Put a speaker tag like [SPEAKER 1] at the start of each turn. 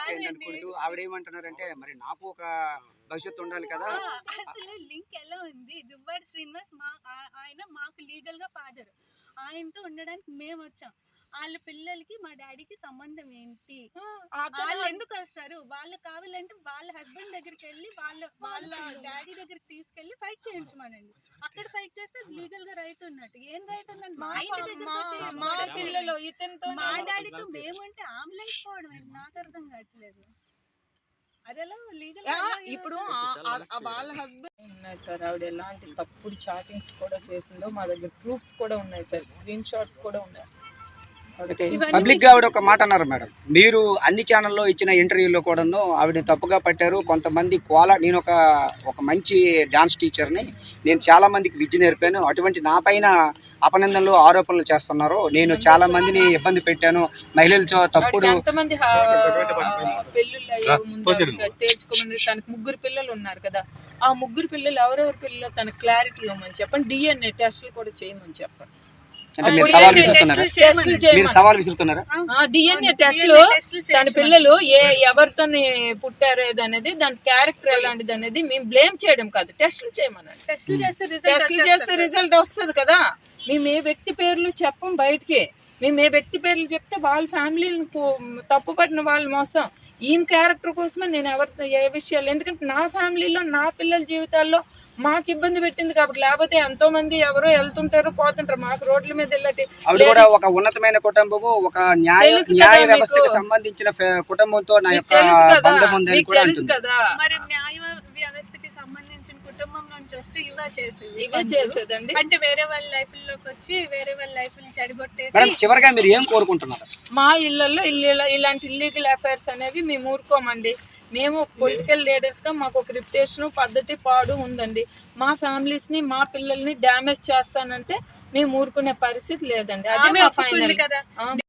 [SPEAKER 1] అయిపోయింది అనుకుంటూ ఆవిడ ఏమంటున్నారంటే మరి నాకు ఒక భవిష్యత్తు ఉండాలి కదా.
[SPEAKER 2] అసలు లింక్ ఎలా ఉంది? దువ్వాడ శ్రీనివాస్ ఆయన మాకు లీగల్ గా ఫాదర్. ఆయనతో ఉండడానికి మేము వచ్చాం. వాళ్ళ పిల్లలకి మా డాడీకి సంబంధం ఏంటి? వాళ్ళు ఎందుకు వస్తారు? వాళ్ళు కావాలంటే వాళ్ళ హస్బెండ్ దగ్గరికి వెళ్ళి వాళ్ళ డాడీ దగ్గరికి తీసుకెళ్లి ఫైట్ చేయించమనండి. అక్కడ ఫైట్ చేస్తే లీగల్ గా రైట్ ఉన్నట్టు. ఏం రైట్ ఉందండి? మా ఇంటి దగ్గర మా పిల్లలు ఇతనితో మా డాడీతో మేమంటే ఆమ్లైపోవడం ఏంటి? నాకు అర్థం కావట్లేదు. అదేలా లీగల్
[SPEAKER 3] ఇప్పుడు వాళ్ళ హస్బెండ్ ఉన్నాయి సార్. ఆవిడ ఎలాంటి తప్పుడు చాటింగ్స్ కూడా చేసిందో మా దగ్గర ప్రూఫ్స్ కూడా ఉన్నాయి సార్, స్క్రీన్ షాట్స్ కూడా ఉన్నాయి.
[SPEAKER 1] పబ్లిక్ గా ఆవిడ ఒక మాట అన్నారు మేడం, మీరు అన్ని ఛానల్లో ఇచ్చిన ఇంటర్వ్యూలో కూడాను ఆవిడ తప్పుగా పట్టారు. కొంతమంది నేను ఒక మంచి డాన్స్ టీచర్ని, నేను చాలా మందికి విద్య నేర్పాను, అటువంటి నా పైన అపనిందనలు ఆరోపణలు చేస్తున్నారు, నేను చాలా మందిని ఇబ్బంది పెట్టాను, మహిళలతో తప్పుడు
[SPEAKER 3] తేల్చుకోమని. తనకు 3 పిల్లలు ఉన్నారు కదా, ఆ 3 పిల్లలు ఎవరెవరి పిల్లలు తనకు క్లారిటీ ఇవ్వమని చెప్పండి. DNA టెస్టులు కూడా చేయమని చెప్పండి.
[SPEAKER 1] సవాల్ విసురుతున్నారా?
[SPEAKER 3] DNA టెస్టులు తన పిల్లలు ఎవరితో పుట్టారు అనేది, దాని క్యారెక్టర్ ఎలాంటిది అనేది మేము బ్లేమ్ చేయడం కాదు, టెస్టులు చేయమనండి. టెస్టులు చేస్తే రిజల్ట్ వస్తుంది కదా. మేము ఏ వ్యక్తి పేర్లు చెప్పం బయటికి. మేము ఏ వ్యక్తి పేర్లు చెప్తే వాళ్ళ ఫ్యామిలీని తప్పుపడిన వాళ్ళు మోసం. ఈమె క్యారెక్టర్ కోసమే నేను ఏ విషయాలు, ఎందుకంటే నా ఫ్యామిలీలో నా పిల్లల జీవితాల్లో మాకు ఇబ్బంది పెట్టింది కాబట్టి. లేకపోతే ఎంతో మంది ఎవరో వెళ్తుంటారు పోతుంటారు, మాకు రోడ్ల మీద వెళ్ళటి.
[SPEAKER 1] ఒక ఉన్నతమైన కుటుంబము, ఒక న్యాయ వ్యవస్థకు సంబంధించిన కుటుంబంతో నా యొక్క బంధం ఉందని కూడా అంటుంది కదా.
[SPEAKER 2] మరి న్యాయ వ్యవస్థకి సంబంధించిన కుటుంబం నుంచి వస్తే ఇవే చేసేదండి. అంటే వేరే వాళ్ళ లైఫ్ లోకి వచ్చి వేరే వాళ్ళ లైఫ్ ని చెడగొట్టేసి.
[SPEAKER 1] చివరిగా మీరు ఏం కోరుకుంటున్నారు?
[SPEAKER 3] మా ఇళ్లలో ఇలాంటి ఇల్లీగల్ అఫైర్స్ అనేవి మేము ఊరుకోమండి. మేము పొలిటికల్ లీడర్స్ గా మాకు ఒక రిప్యుటేషన్ పద్ధతి పాడు ఉందండి. మా ఫ్యామిలీస్ ని మా పిల్లల్ని డ్యామేజ్ చేస్తానంటే మేము ఊరుకునే పరిస్థితి లేదండి. అది మా ఫైనల్ కదా.